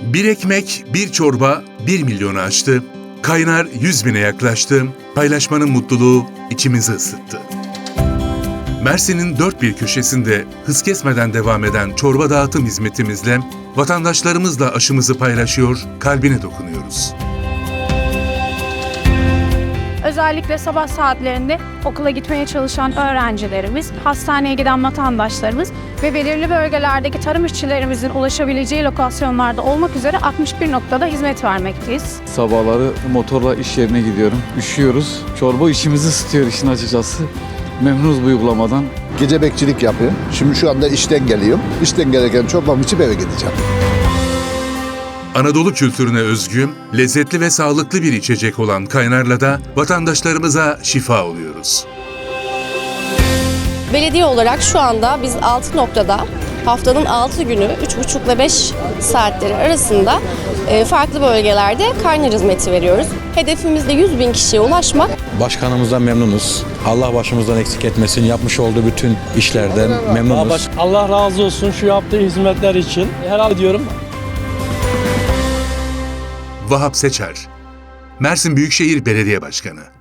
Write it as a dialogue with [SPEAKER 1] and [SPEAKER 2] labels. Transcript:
[SPEAKER 1] Bir ekmek, bir çorba 1 milyonu aştı. Kaynar 100 bine yaklaştı. Paylaşmanın mutluluğu içimizi ısıttı. Mersin'in dört bir köşesinde hız kesmeden devam eden çorba dağıtım hizmetimizle vatandaşlarımızla aşımızı paylaşıyor, kalbine dokunuyoruz.
[SPEAKER 2] Özellikle sabah saatlerinde okula gitmeye çalışan öğrencilerimiz, hastaneye giden vatandaşlarımız ve belirli bölgelerdeki tarım işçilerimizin ulaşabileceği lokasyonlarda olmak üzere 61 noktada hizmet vermekteyiz.
[SPEAKER 3] Sabahları motorla iş yerine gidiyorum. Üşüyoruz. Çorba işimizi ısıtıyor işin açıkçası. Memnunuz bu uygulamadan.
[SPEAKER 4] Gece bekçilik yapıyorum. Şimdi şu anda işten geliyorum. İşten gelirken çorbamı içip eve gideceğim.
[SPEAKER 1] Anadolu kültürüne özgü, lezzetli ve sağlıklı bir içecek olan kaynarla da vatandaşlarımıza şifa oluyoruz.
[SPEAKER 5] Belediye olarak şu anda biz 6 noktada haftanın 6 günü 3,5 ile 5 saatleri arasında farklı bölgelerde kaynar hizmeti veriyoruz. Hedefimiz de 100 bin kişiye ulaşmak.
[SPEAKER 6] Başkanımızdan memnunuz. Allah başımızdan eksik etmesin. Yapmış olduğu bütün işlerden memnunuz.
[SPEAKER 7] Allah razı olsun şu yaptığı hizmetler için. Helal ediyorum.
[SPEAKER 1] Vahap Seçer, Mersin Büyükşehir Belediye Başkanı.